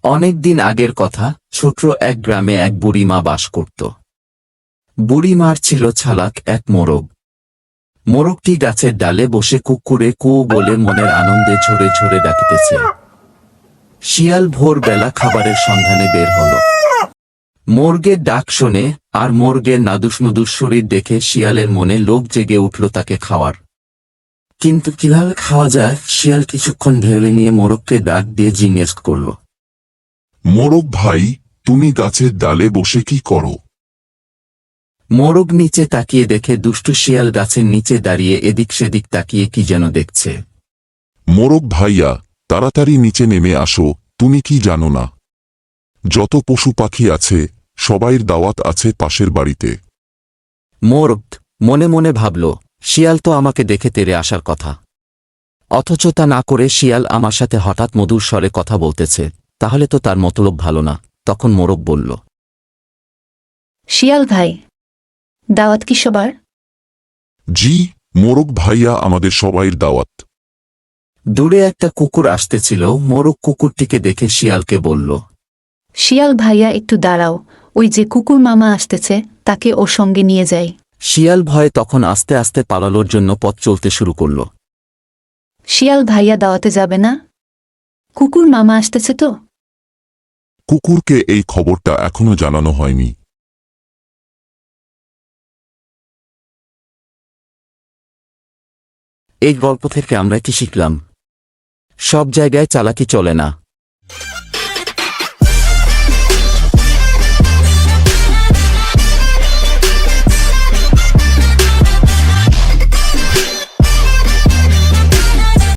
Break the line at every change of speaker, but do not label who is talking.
অনেক দিন আগের কথা, ছোট্ট এক গ্রামে এক বুড়িমা বাস করত। বুড়িমার ছিল চালাক এক মোরগ। মোরগটি গাছের ডালে বসে কুকুরে কু বলে মনের আনন্দে ঝরে ঝরে ডাকিতেছে। শিয়াল ভোরবেলা খাবারের সন্ধানে বের হল। মোরগের ডাক শোনে আর মোরগের নাদুস শরীর দেখে শিয়ালের মনে লোভ জেগে উঠল তাকে খাওয়ার। কিন্তু কিভাবে খাওয়া যায়, শিয়াল কিছুক্ষণ ভেবে নিয়ে মোরগকে ডাক দিয়ে জিজ্ঞেস করল।
মোরগ ভাই, তুমি গাছের ডালে বসে কি করো?
মোরগ নিচে তাকিয়ে দেখে দুষ্টু শিয়াল গাছের নিচে দাঁড়িয়ে এদিক সেদিক তাকিয়ে কি যেন দেখছে।
মোরগ ভাইয়া, তাড়াতাড়ি নিচে নেমে আসো, তুমি কি জানো না? যত পশু পাখি আছে সবাইর দাওয়াত আছে পাশের বাড়িতে।
মোরগ মনে মনে ভাবল, শিয়াল তো আমাকে দেখে তেড়ে আসার কথা, অথচ তা না করে শিয়াল আমার সাথে হঠাৎ মধুর স্বরে কথা বলতেছে, তাহলে তো তার মতলব ভালো না। তখন মোরগ বলল,
শিয়াল ভাই, দাওয়াত কি সবার?
জি, মোরগ ভাইয়া, আমাদের সবাইর দাওয়াত।
দূরে একটা কুকুর আসতেছিল। মোরগ কুকুরটিকে দেখে শিয়ালকে বলল,
শিয়াল ভাইয়া একটু দাঁড়াও, ওই যে কুকুর মামা আসতেছে, তাকে ওর সঙ্গে নিয়ে যাই।
শিয়াল ভয়ে তখন আস্তে আস্তে পালানোর জন্য পথ চলতে শুরু করল।
শিয়াল ভাইয়া দাওয়াতে যাবে না? কুকুর মামা আসতেছে তো।
কুকুরকে এই খবরটা এখনো জানানো হয়নি।
এই গল্প থেকে আমরা কি শিখলাম? সব জায়গায় চালাকি চলে না।